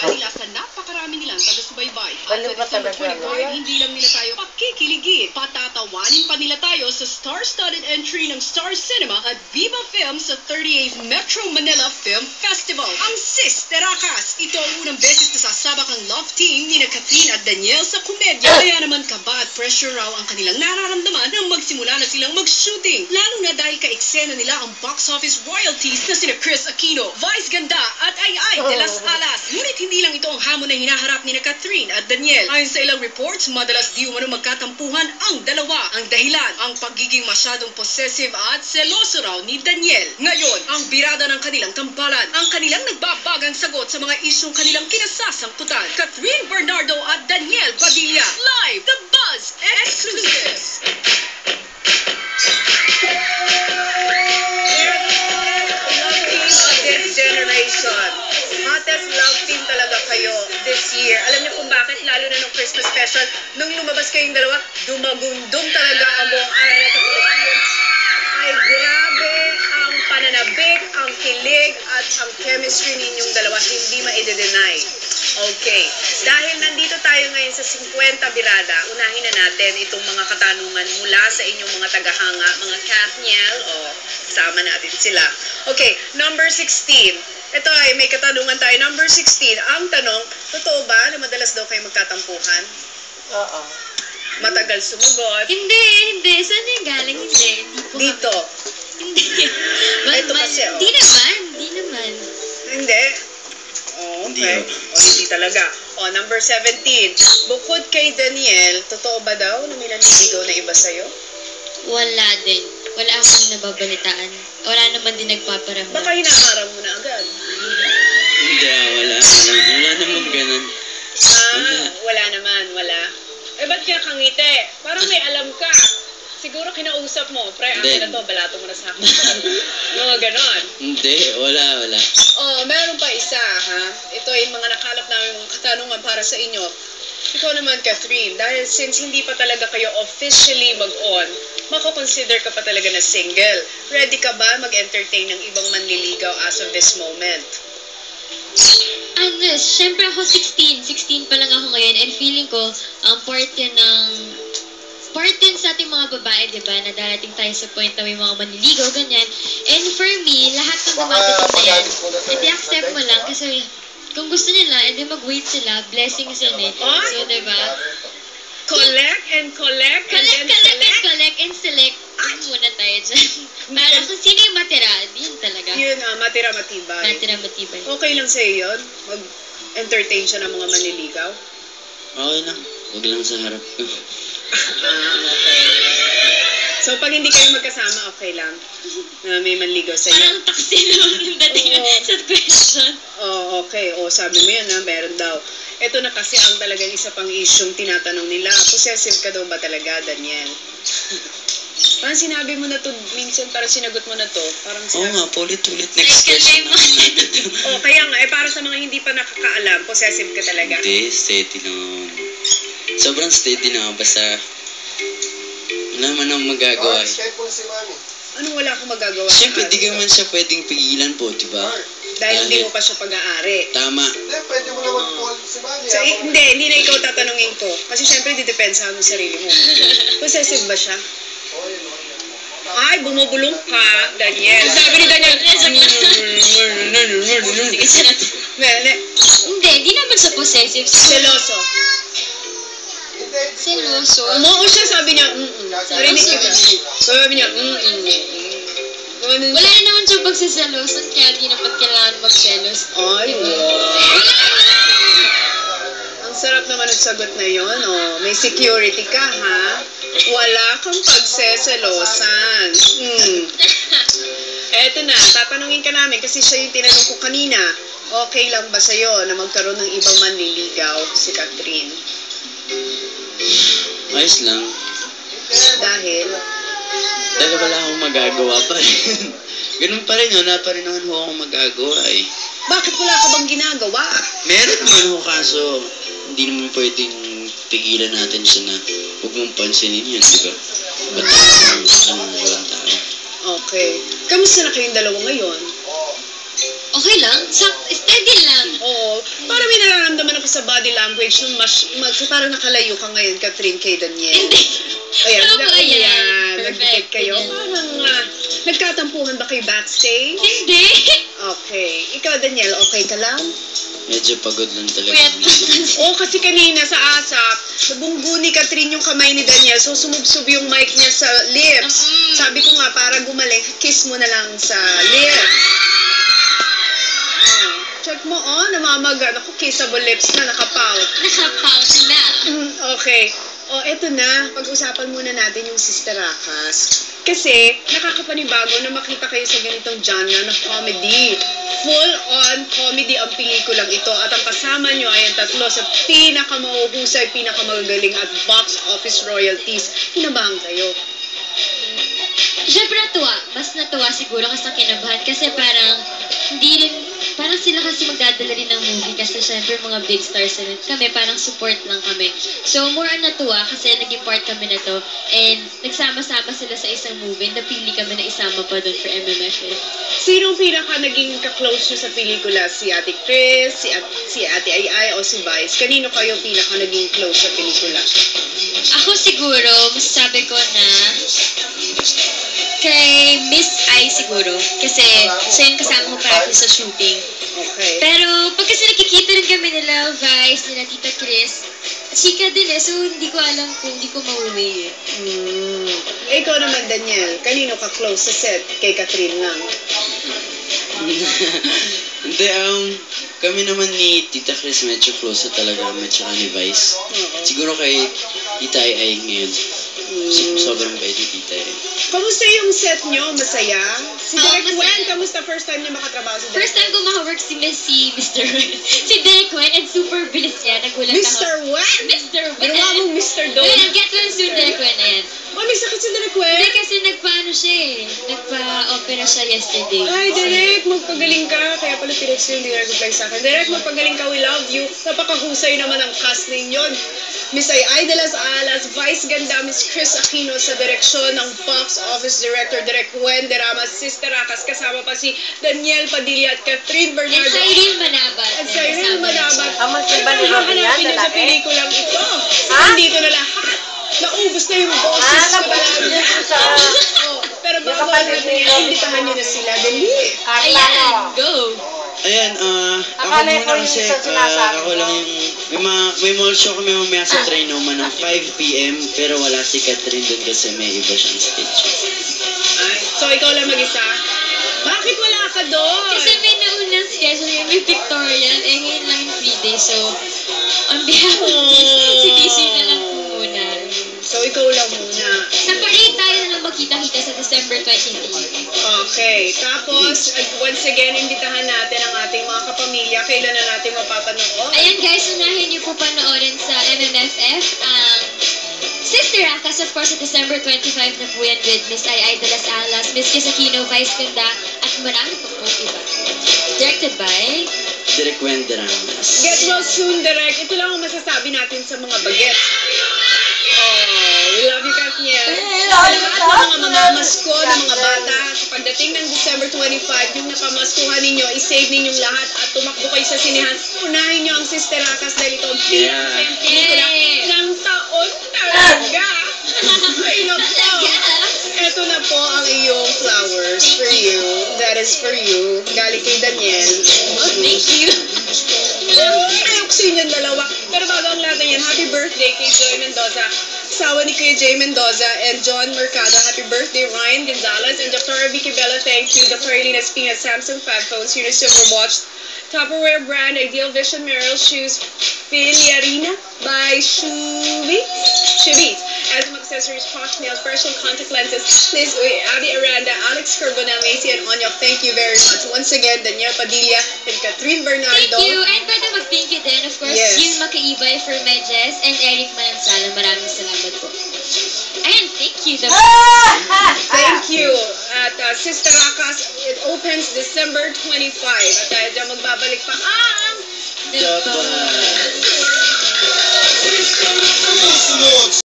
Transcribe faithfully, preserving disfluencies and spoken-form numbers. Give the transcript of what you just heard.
kanila sa napakarami nilang taga-subaybay. At Baliw sa ka December talaga, twenty-four, Kuya. hindi lang nila tayo pakikiligin. Patatawanin pa nila tayo sa star-studded entry ng Star Cinema at Viva Film sa thirty-eighth Metro Manila Film Festival. Ang Sis Teracas, ito ang unang beses na sasabak ang love team ni na Catherine at Daniel sa komedya. Kaya naman kaba at pressure raw ang kanilang nararamdaman nang magsimula na silang mag-shooting. Lalo na dahil ka-eksena nila ang box office royalties na sina Chris Aquino, Vice Ganda at Ay Ay de las Alas. Ngunit hindi lang ito ang hamon na hinaharap ni na Catherine at Daniel. Ayon sa ilang reports, madalas di umano magkatampuhan ang dalawa. Ang dahilan, ang pagiging masyadong possessive at seloso raw ni Daniel. Ngayon, ang birada ng kanilang tambalan, ang kanilang nagbabagang sagot sa mga isyong kanilang kinasasangkutan. Catherine Bernardo at Daniel Padilla, live, The Buzz Exclusive. This generation, hottest love team talaga kayo this year. Alam niyo kung bakit, lalo na nung Christmas special, nung lumabas kayong dalawa, dumagundong talaga ang buong Araneta Coliseum. Ay, grabe ang pananabik, ang kilig, at ang chemistry ninyong dalawa, hindi ma-i-deny. Okay, dahil nandito tayo ngayon sa fifty Birada, unahin na natin itong mga katanungan mula sa inyong mga tagahanga, mga Kathniel, o sama natin sila. Okay, number sixteen. Ito ay may katanungan tayo. Number sixteen, ang tanong, totoo ba na madalas daw kayo magtatampuhan? Oo. Matagal sumagot. Hindi, hindi. Saan yung galing? Hindi. Hindi po. Dito. Hindi. Ito kasi, oh. Hindi naman. Hindi naman. Hindi. Oh, okay. O, hindi talaga. O, number seventeen. Bukod kay Daniel, totoo ba daw na may nanliligaw na iba sa'yo? Wala din. Wala akong nababalitaan. Wala naman din nagpaparamdam. Baka hinaharang mo na agad. Hindi, ah, wala. Wala, wala naman ganun. Ah, wala naman, wala. Eh, ba't kaya kangiti? Parang may alam ka. Siguro kinausap mo, pre, akin na to, balato mo na sa akin. Mga ganon. Hindi, wala, wala. Oh, meron pa isa, ha? Ito ay mga nakalap namin mga katanungan para sa inyo. Ikaw naman, Catherine, dahil since hindi pa talaga kayo officially mag-on, mako-consider ka pa talaga na single. Ready ka ba mag-entertain ng ibang manliligaw as of this moment? Ano, syempre ako sixteen. sixteen pa lang ako ngayon and feeling ko, ang part yun ng part din sa ating mga babae, di ba, na darating tayo sa point na may mga manliligaw, ganyan. And for me, lahat ng dumadating na yan, edi accept mo lang kasi kung gusto nila, edi mag-wait sila, blessings yun eh. So, di ba? Collect and collect and Collect, then collect, and select? collect, and select. Ay, muna tayo dyan. Para kung sino yung matira, yun talaga. Yun, ah, matira matibay. Matira matibay. Okay lang sa'yo yun? Mag-entertain siya ng mga manliligaw? Okay lang. Huwag lang sa harap ko. Ah, okay. So, pag hindi kayo magkasama, okay lang? Na may manligaw sa'yo? Parang taksi naman yung dating Oo. sa question. Oh, okay. O, sabi mo yan, ha? Meron daw. Ito na kasi ang talagang isa pang isyong tinatanong nila. Possessive ka daw ba talaga, Daniel? Parang sinabi mo na to, minsan parang sinagot mo na to. Parang Oo sinabi. nga, paulit-ulit. Ay, Next question kalay mo. naman natin. Oh, kaya nga, eh, para sa mga hindi pa nakakaalam, possessive ka talaga. Hindi, steady naman. Sobrang steady naman. Basta, wala man ang magagawa. eh. Anong wala akong magagawa? Siyempre, sa di akin? ka man siya pwedeng pigilan po, di ba? Dahil hindi mo pa siya pag-aari. Tama. Hindi, pwede mo naman call si Manny. So, eh, hindi, hindi na ikaw tatanungin ko. Kasi syempre, didepensa mo sa sarili mo. Possessive ba siya? Ay, bumubulong ka, Daniel. Sabi ni Daniel, Sige, siya natin. Mene, Hindi, hindi naman sa possessive. seloso. Seloso. Umuo siya, sabi niya, mm-mm. Narinig kita. Sabi niya, mm-mm. Ganun Wala siya. na naman siya pagsaselosan, kaya di naman kailangan magselos. Ay, wow. Ang sarap naman ang sagot na yon, oh. May security ka, ha? Wala kang pagseselosan. Hmm. Eto na, tatanungin ka namin kasi siya yung tinanong ko kanina. Okay lang ba sa'yo na magkaroon ng ibang manliligaw si Catherine? Ayos lang. Dahil, Dahil wala akong magagawa pa rin. Ganun pa rin, wala pa rin naman ho akong magagawa eh. bakit wala ka bang ginagawa? Meron naman ho, kaso hindi naman pwedeng pigilan natin siya na huwag mong pansinin yun, di ba? Ba't ang ang walang tao? Okay. Kamusta na kayong dalawa ngayon? Okay lang? Sa, steady lang. Oo. Para may nararamdaman sa body language nung mas, mas parang nakalayo ka ngayon, Catherine, kay Daniel. Hindi. Ayan, Tama na, yan. ayan, Perfect. nagdikit kayo. Ganyan. Parang, ah, nagkatampuhan ba kayo backstage? Hindi. Okay. Ikaw, Daniel, okay ka lang? Medyo pagod lang talaga. Puyat lang. Oo, kasi kanina sa ASAP, nabunggo ni Catherine yung kamay ni Daniel, so sumubsob yung mic niya sa lips. Mm. Sabi ko nga, para gumaling, kiss mo na lang sa lips. Oh, check mo, oh, namamaga. Naku, kissable lips na, nakapout. Nakapout na. Mm, okay. O, eto na. Pag-usapan muna natin yung Sister Akas. Kasi, nakakapanibago na makita kayo sa ganitong genre na comedy. Full-on comedy ang pelikulang ito. At ang kasama nyo ay ang tatlo sa pinakamauhusay, pinakamagagaling at box office royalties. Kinabahan kayo. Siyempre natuwa. Mas natuwa siguro kasi kinabahan. Kasi parang, hindi rin, parang sila kasi magdadala rin ng movie. Kasi syempre mga big stars na rin. Kami, parang support lang kami. So, more on natuwa kasi naging part kami na to. And, nagsama-sama sila sa isang movie. Napili kami na isama pa doon for M M F F. Sinong pinaka naging kaklose nyo sa pelikula? Si Ate Chris, si, At si Ate Ai Ai, o si Vice? Kanino kayo pinaka naging close sa pelikula? Ako siguro, masasabi ko na kay Miss I siguro. Kasi siya yung kasama ko parati sa shooting. Okay. Pero pag kasi nakikita rin kami nila Vice, nila Tita Chris, chika din eh. So hindi ko alam kung hindi ko mauwi eh. Hmm. Eh, ikaw naman, Daniel. Kanino ka close sa set? Kay Catherine lang. Hindi, um, kami naman ni Tita Chris medyo close na talaga kami tsaka ni Vice. Oo. Siguro kay Tita Ai Ai ngayon. So, Hmm. sobrang bait ni Tita Ai. Kamusta yung set nyo? Masaya? Si Oo, Direk masaya. Wen, kamusta first time niya makatrabaho si Direk? First time ko makawork si Miss si Mister si Derek Wen and super bilis niya. Nagulat ako. Mister Wen? Mister Wen. Ginawa mong Mister Don. Wait, I'll get well soon, Derek Wen. Ayan. Oh, may sakit si Direk Wen? Hindi kasi nagpaano siya eh. Nagpa-opera siya yesterday. Ay, Direk, magpagaling ka. Kaya pala tinext yung Direk reply sa akin. Direk, magpagaling ka. We love you. Napakahusay naman ang cast ninyo. Miss Ai Ai de las Alas, Vice Ganda, Miss Chris Aquino sa direksyon ng box office director, Direk Wen de Ramos, Sister Akas, kasama pa si Daniel Padilla at Catherine And Bernardo. Cyril Manabat. At sa Irene Manabat. Ang magkaiba ni Robin yan, Hahanapin niyo sa lalaki? pelikulang ito. Ha? Nandito na lahat. Naubos na yung boses Ah, ko nabukas talaga. niyo sa... Oh, pero Yung bago kapatid natin ni yan, Robin. imbitahan niyo na sila. Dali. Carla, Ayan, no? go. Ayan, ah, ako Akala ko muna yung kasi, sa sinasabi ah, ako mo. lang yung, may, mga, may mall show kami mamaya sa Trinoma ng five p m pero wala si Catherine doon kasi may iba siyang stage. Ay, so ikaw lang mag-isa? Bakit wala ka doon? Kasi may naunang schedule yung may pictorial. Eh, ngayon lang yung free day. So, on behalf of si D C na lang po muna. So ikaw lang muna. Sa parade tayo na lang magkita-kita sa December twenty-third. Okay. Tapos, uh, once again, imbitahan natin ang ating mga kapamilya. Kailan na natin mapapanood? Ayan guys, unahin niyo po panoorin sa M M F F ang Sister Akas, of course, sa December twenty-fifth na po yan with Miss Ai Ai de las Alas, Miss Chris Aquino, Vice Ganda, at marami po po iba. Directed by... Direk Wen de Ramos. Get well soon, Direk. Ito lang ang masasabi natin sa mga bagets. Oh, we love you, Katniel. Sa lahat ng mga mamamasko ng mga bata, sa pagdating ng December twenty-fifth, yung napamaskuhan ninyo, isave ninyong lahat at tumakbo kayo sa sinehan. Unahin nyo ang Sister Akas dahil ito ang pinakasayang pelikula Yay! ng taon talaga. Ay, nako. Ito na po ang iyong flowers for you. That is for you. Galing kay Daniel. Oh, thank you. Ayok sa inyong dalawa. Pero bago ang lahat na yan, happy birthday kay Joy Mendoza. Asawa ni Kuya Jay Mendoza and John Mercado. Happy birthday, Ryan Gonzalez and Doctor Vicky Bella. Thank you. Doctor Arlene Espina, Samsung Fab Phones, Eunice Silver Watch, Tupperware brand, Ideal Vision, Merrill Shoes, Filiarina by Shoebiz. Shoebiz. Asthma Accessories, Posh Nails, Special Contact Lenses, Liz Uy, Abby Aranda, Alex Carbonell, Macy, and Onyok. Thank you very much. Once again, Daniel Padilla and Catherine Bernardo. Thank you. And pwede mag-thank you din, of course, Yes. Gil Makaibay for Medjes and Eric Manansala. Maraming salamat po. Ayan, thank you. The Thank you. At uh, Sister Akas, it opens December twenty-fifth. At dahil dyan magbabalik pa ang... the Dapat.